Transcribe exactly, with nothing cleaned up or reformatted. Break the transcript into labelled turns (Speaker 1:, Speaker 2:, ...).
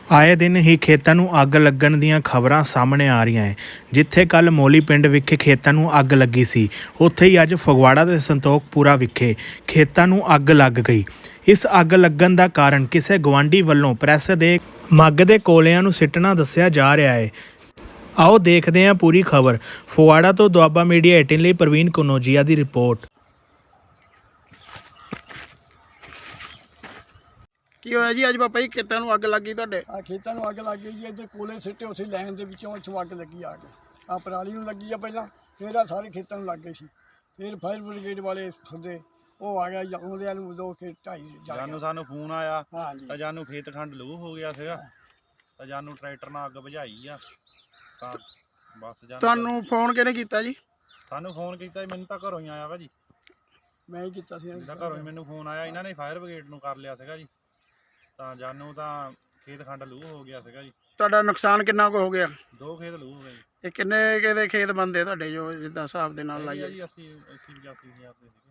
Speaker 1: ਆਏ ਦਿਨ ਹੀ ਖੇਤਾਂ ਨੂੰ ਅੱਗ ਲੱਗਣ ਦੀਆਂ ਖਬਰਾਂ ਸਾਹਮਣੇ ਆ ਰਹੀਆਂ ਹੈ। ਜਿੱਥੇ ਕੱਲ ਮੋਲੀ ਪਿੰਡ ਵਿਖੇ ਖੇਤਾਂ ਨੂੰ ਅੱਗ ਲੱਗੀ ਸੀ, ਉੱਥੇ ਹੀ ਅੱਜ ਫਗਵਾੜਾ ਦੇ ਸੰਤੋਖਪੁਰਾ ਵਿਖੇ ਖੇਤਾਂ ਨੂੰ ਅੱਗ ਲੱਗ ਗਈ। ਇਸ ਅੱਗ ਲੱਗਣ ਦਾ ਕਾਰਨ ਕਿਸੇ ਗਵਾਂਢੀ ਵੱਲੋਂ ਪ੍ਰੈਸ ਦੇ ਮੱਗ ਦੇ ਕੋਲਿਆਂ ਨੂੰ ਸਿੱਟਣਾ ਦੱਸਿਆ ਜਾ ਰਿਹਾ ਹੈ। ਆਓ ਦੇਖਦੇ ਹਾਂ ਪੂਰੀ ਖਬਰ। ਫਗਵਾੜਾ ਤੋਂ ਦੁਆਬਾ ਮੀਡੀਆ ਅਠਾਰਾਂ ਲਈ ਪ੍ਰਵੀਨ ਕਨੌਜੀਆ ਦੀ ਰਿਪੋਰਟ।
Speaker 2: ਕੀ ਹੋਇਆ ਜੀ ਅੱਜ ਪਾਪਾ ਜੀ ਖੇਤਾਂ ਨੂੰ ਅੱਗ ਲੱਗੀ ਤੁਹਾਡੇ?
Speaker 3: ਆ ਖੇਤਾਂ ਨੂੰ ਅੱਗ ਲੱਗ ਗਈ ਜੀ। ਇੱਧਰ ਕੋਲੇ ਸਿੱਟੇ ਉਸੇ ਲਾਈਨ ਦੇ ਵਿੱਚੋਂ ਇੱਥੋਂ ਅੱਗ ਲੱਗੀ ਆ ਕੇ ਆ ਪਰਾਲੀ ਨੂੰ ਲੱਗੀ ਆ ਪਹਿਲਾਂ, ਫਿਰ ਆ ਸਾਰੇ ਖੇਤਾਂ ਨੂੰ ਲੱਗ ਗਈ ਸੀ। ਫਿਰ ਫਾਇਰ ਬ੍ਰਿਗੇਡ ਵਾਲੇ ਸੱਦੇ, ਉਹ ਆ ਗਿਆ ਆਉਂਦਿਆਂ ਨੂੰ ਦੋ ਖੇਤ ਢਾਈ
Speaker 4: ਜਾਨੂੰ ਸਾਨੂੰ ਫੋਨ ਆਇਆ
Speaker 3: ਹਾਂਜੀ
Speaker 4: ਤਾਂ ਜਾਨੂੰ ਖੇਤ ਖੰਡ ਲੂ ਹੋ ਗਿਆ ਸੀਗਾ, ਤਾਂ ਜਾਨੂੰ ਟਰੈਕਟਰ ਨਾਲ ਅੱਗ ਬੁਝਾਈ ਆ। ਤਾਂ ਬਸ ਜਾਨੂੰ
Speaker 2: ਤੁਹਾਨੂੰ ਫੋਨ ਕਿਹਨੇ ਕੀਤਾ ਜੀ?
Speaker 4: ਸਾਨੂੰ ਫੋਨ ਕੀਤਾ ਜੀ, ਮੈਨੂੰ ਤਾਂ ਘਰੋਂ ਹੀ ਆਇਆ ਵਾ ਜੀ।
Speaker 3: ਮੈਂ ਹੀ ਕੀਤਾ ਸੀ।
Speaker 4: ਤਾਂ ਘਰੋਂ ਹੀ ਮੈਨੂੰ ਫੋਨ ਆਇਆ, ਇਹਨਾਂ ਨੇ ਫਾਇਰ ਬ੍ਰਿਗੇਡ ਨੂੰ ਕਰ ਲਿਆ ਸੀਗਾ ਜੀ। ਤਾਂ ਜਾਨੂੰ ਤਾਂ ਖੇਤ ਖੰਡ ਲੂ ਹੋ ਗਿਆ ਸੀਗਾ ਜੀ।
Speaker 2: ਤੁਹਾਡਾ ਨੁਕਸਾਨ ਕਿੰਨਾ ਕੁ ਹੋ ਗਿਆ?
Speaker 4: ਦੋ ਖੇਤ ਲੂ ਹੋ ਗਏ ਜੀ।
Speaker 2: ਇਹ ਕਿੰਨੇ ਕਿਹਦੇ ਖੇਤ ਬੰਦੇ ਤੁਹਾਡੇ ਜੋ ਜਿੱਦਾਂ ਹਿਸਾਬ ਦੇ ਨਾਲ
Speaker 4: ਹੈਗੇ ਆ
Speaker 2: ਲਾਈਏ?
Speaker 4: ਜੀ ਅਸੀਂ ਅੱਸੀ ਪਚਾਸੀ ਹਜ਼ਾਰ ਦੇ ਸੀਗੇ।